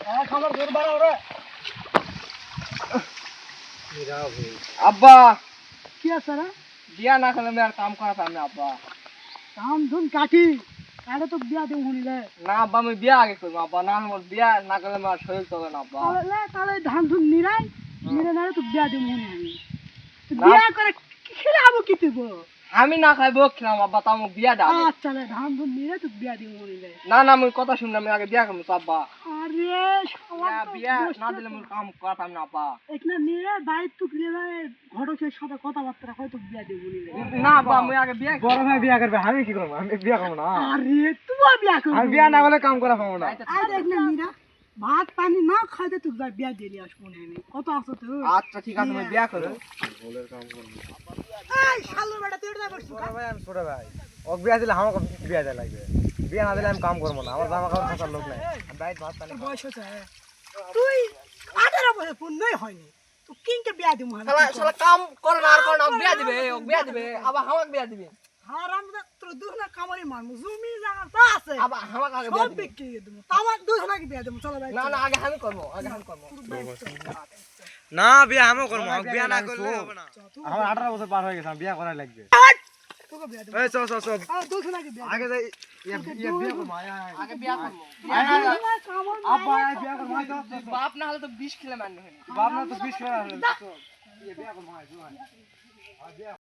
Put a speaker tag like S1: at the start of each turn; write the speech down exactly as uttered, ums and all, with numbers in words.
S1: আব্বা
S2: কি আছে রে?
S1: বিয়া না খেলে আমি আর কাম করা পারলাম না আব্বা।
S2: কাম ধুন কাটি আরে তো বিয়া দেবো শুনিলে
S1: না আব্বা আমি বিয়া আগে করবো আব্বা, না আমার বিয়া না করলে আমার শরীর চলে না আব্বা।
S2: তাহলে তাহলে ধান ধুন নিরাই নিরে না তো বিয়া দেবো শুনি আমি তুই
S1: না।
S2: বিয়া করে খেলাবো কি তুই গো?
S1: আমি না খাইবো খেলাম আব্বা, তা আমার বিয়া দাও।
S2: আচ্ছা রে ধান ধুন নিরে তো বিয়া দেবো শুনিলে
S1: না না আমি কথা শুনলাম, আমি আগে বিয়া করবো তো আব্বা।
S2: আরে
S1: বিয়া বিয়া না দিলে আমি কাম করা পারলাম না আব্বা।
S2: এখানে নিরে দায়িত্ব নিরে ঘটকের সাথে কথাবার্তা হয়তো বিয়া দেবো শুনিলে
S1: না আব্বা আমি আগে বিয়া
S3: বড় ভাই বিয়া করবে, আমি কি করবো? আমি বিয়া করবো না।
S2: আরে তুই বিয়া করবি
S3: আমি বিয়া না করলে কাম করা পাবো না।
S2: আরে এখানে নিরা ভাত পানি না খাইতে তুই যাই বিয়া দিয়ে আসবো না আমি কত আছো তুই
S1: আচ্ছা ঠিক আছে আমি বিয়া করবো।
S2: এই শালুর বেটা তুই এটা করছিস
S3: বড় ভাই আমি ছোট ভাই, ও বিয়া দিলে আমাকে বিয়া দেয়া লাগবে। বিয়া না দিলে আমি কাম করবো না, আমার জামা কাপড় থাকার লোক নাই। আমি বাইরে ভাত পানি
S2: তোর
S3: খাবো।
S2: বয়স হচ্ছে তুই আঠারো বছর পূর্ণই হয়নি তুই কিংকে বিয়া দিব
S1: শালা শালা কাম করে না আর করে না, ও বিয়া দিবে ও বিয়া দিবে আবার আমাকে বিয়া দিবে।
S2: হারাম দা তোর দুজনা কামারি মারমু জমি জায়গা তা আছে
S1: আবার আমাকে আগে বিয়া
S2: সব
S1: দিবে।
S2: বিক্রি করে দেবো তামার দুজনাকে বিয়া দেবো চলো ভাই
S1: না না আগে আমি করবো, আগে আমি করবো।
S3: না বিয়া আমিও করবো, বিয়া না করলে হবে না। আমার আঠারো বছর পার হয়ে গেছে, আমার বিয়া করাই লাগবে।
S2: তোকে বিয়া দেবো
S3: এই চল চল চল,
S2: আর দুজনাকে বিয়া
S3: আগে যাই। ইয়ে ইয়ে বিয়া করবো, আয় আয় আয়।
S1: আগে বিয়া করবো।
S3: আয়, আয়, আয়।
S2: কামড়
S3: আব্বা আয় বিয়া করবো, আয় চল, চল, চল।
S1: বাপ না হলে তো বিষ খেলে মান্য হয়।
S3: বাপ না তো বিশ করে আসলে, চল। ইয়ে বিয়া করবো, আয়, চল, আয়। আয়, বিয়া